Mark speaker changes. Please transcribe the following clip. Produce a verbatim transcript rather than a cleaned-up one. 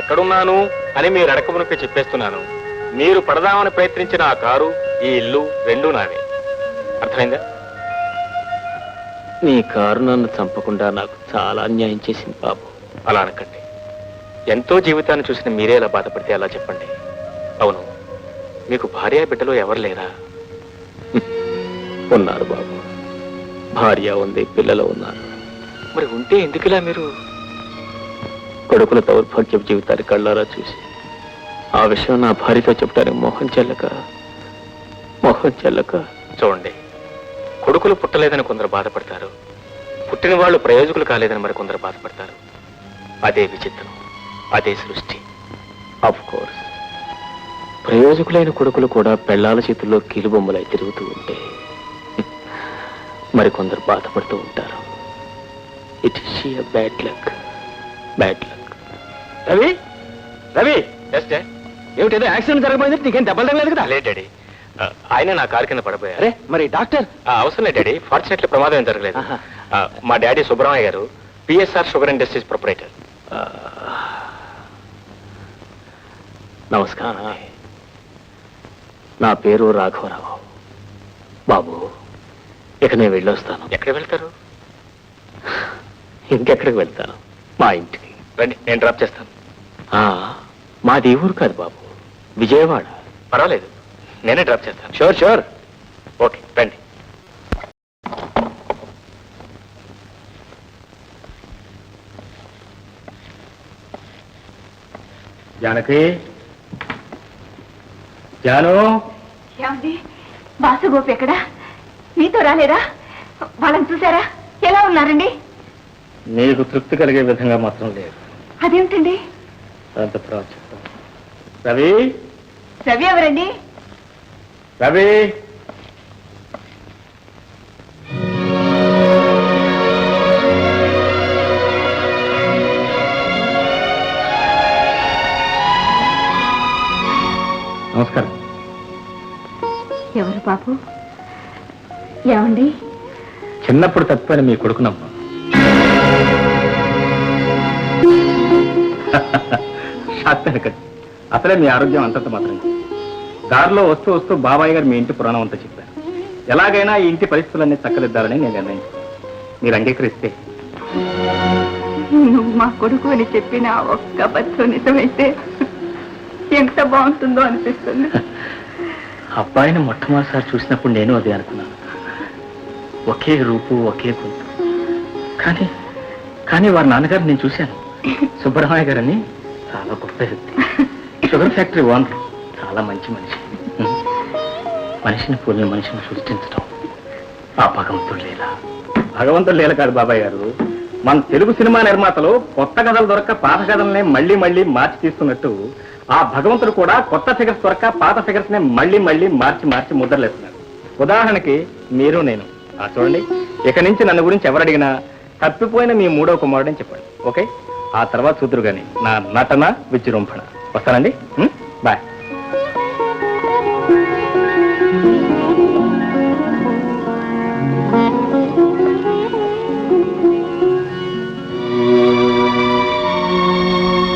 Speaker 1: ఎక్కడున్నాను అని మీరు అడకమునకే చెప్పేస్తున్నాను. మీరు పడదామని ప్రయత్నించిన ఆ కారు, ఈ ఇల్లు రెండూ నావే. అర్థమైందా?
Speaker 2: నీ కారు నన్ను చంపకుండా నాకు చాలా అన్యాయం చేసింది బాబు.
Speaker 1: అలా అనకండి. ఎంతో జీవితాన్ని చూసిన మీరే అలా బాధపడితే అలా చెప్పండి. అవును, మీకు భార్య బిడ్డలో ఎవరు లేరా?
Speaker 2: ఉన్నారు బాబు, భార్య ఉంది, పిల్లలు ఉన్నారు.
Speaker 1: మరి ఉంటే ఎందుకులా మీరు?
Speaker 2: కొడుకుల దౌర్భాగ్య జీవితాన్ని కళ్ళారా చూసి ఆ విషయం నా భార్యతో చెప్పడానికి మొహం చెల్లక మొహం చెల్లక
Speaker 1: చూడండి, కొడుకులు పుట్టలేదని కొందరు బాధపడతారు, పుట్టిన వాళ్ళు ప్రయోజకులు కాలేదని మరి కొందరు బాధపడతారు. అదే విచిత్రం, అదే సృష్టి.
Speaker 2: ఆఫ్ కోర్స్, ప్రయోజకులైన కొడుకులు కూడా పెళ్లాల చేతుల్లో కీలుబొమ్మలై తిరుగుతూ ఉంటే మరికొందరు బాధపడుతూ ఉంటారు. It is sheer bad luck, bad luck.
Speaker 1: Ravi, Ravi,
Speaker 2: ఏమిటేదో యాక్సిడెంట్ జరగబోయింది, నీకేం దెబ్బలు తగలేదు కదా?
Speaker 1: లేదు డాడీ, ఆయన నా కారు కింద పడిపోయారు.
Speaker 2: అరే మరి డాక్టర్?
Speaker 1: అవసరం లేదు డాడీ, ఫార్చునేట్లీ ప్రమాదం ఏం జరగలేదు. మా డాడీ సుబ్రహ్మణ్య గారు పిఎస్ఆర్ షుగర్ ఇండస్ట్రీస్ ప్రొపరేటర్.
Speaker 2: నమస్కారం, నా పేరు రాఘవరావు. బాబు, ఇక నేను వెళ్ళొస్తాను.
Speaker 1: ఎక్కడికి వెళ్తారు?
Speaker 2: ఇంకెక్కడికి వెళ్తాను? మా ఇంటికి.
Speaker 1: రండి, నేను డ్రాప్ చేస్తాను.
Speaker 2: మాది ఊరు కాదు బాబు, విజయవాడ.
Speaker 1: పర్వాలేదు, నేనే డ్రాప్ చేస్తాను.
Speaker 2: Sure sure.
Speaker 1: ఓకే, రండి.
Speaker 2: జానకి, జాను.
Speaker 3: ఏమండి, బాసుగోపి ఎక్కడా? మీతో రాలేదా? వాళ్ళని చూసారా? ఎలా ఉన్నారండి?
Speaker 2: నీకు తృప్తి కలిగే విధంగా మాత్రం లేదు.
Speaker 3: అదేమిటండి?
Speaker 2: అంత తర్వాత చెప్తాను. రవి,
Speaker 3: రవి ఎవరండి?
Speaker 2: రవి, నమస్కారం.
Speaker 3: ఎవరు బాబు? ఏమండి?
Speaker 2: చిన్నప్పుడు తప్పిపోయిన మీ కొడుకునమ్మ. అసలే మీ ఆరోగ్యం అంతంత మాత్రం. దారిలో వస్తూ వస్తూ బాబాయ్ గారు మీ ఇంటి పురాణం అంతా చెప్పారు. ఎలాగైనా ఈ ఇంటి పరిస్థితులన్నీ చక్కదిద్దాలని నేను నిర్ణయించుకున్నాను. మీరు అంగీకరిస్తే.
Speaker 3: నువ్వు మా కొడుకు అని చెప్పిన ఒక్క అబద్ధం నిజమైతే ఎంత బాగుంటుందో అనిపిస్తుంది.
Speaker 2: అబ్బాయిని మొట్టమొదటిసారి చూసినప్పుడు నేను అదే అనుకున్నాను. ఒకే రూపు, ఒకే గొంతు. కానీ కానీ వారి నాన్నగారు నేను చూశాను. సుబ్బరామయ్య గారని చాలా గొప్ప వ్యక్తి, షుగర్ ఫ్యాక్టరీ ఓనర్, చాలా మంచి మనిషి. మనిషిని పోలిన మనిషిని సృష్టించడం ఆ భగవంతుడు లీల. భగవంతుడు లీల కాదు బాబాయ్ గారు, మన తెలుగు సినిమా నిర్మాతలు కొత్త కథలు దొరక్క పాత కథలనే మళ్లీ మళ్లీ మార్చి తీస్తున్నట్టు ఆ భగవంతుడు కూడా కొత్త ఫిగర్స్ దొరక్క పాత ఫిగర్స్ నే మళ్లీ మళ్లీ మార్చి మార్చి ముద్రలేస్తున్నాడు. ఉదాహరణకి మీరు నేను. ఆ చూడండి, ఇక నుంచి నన్ను గురించి ఎవరడిగినా తప్పిపోయిన మీ మూడో కుమారుడని చెప్పండి. ఓకే, ఆ తర్వాత చూద్దరు గాని నా నటన విజృంభణ. వస్తానండి, బాయ్.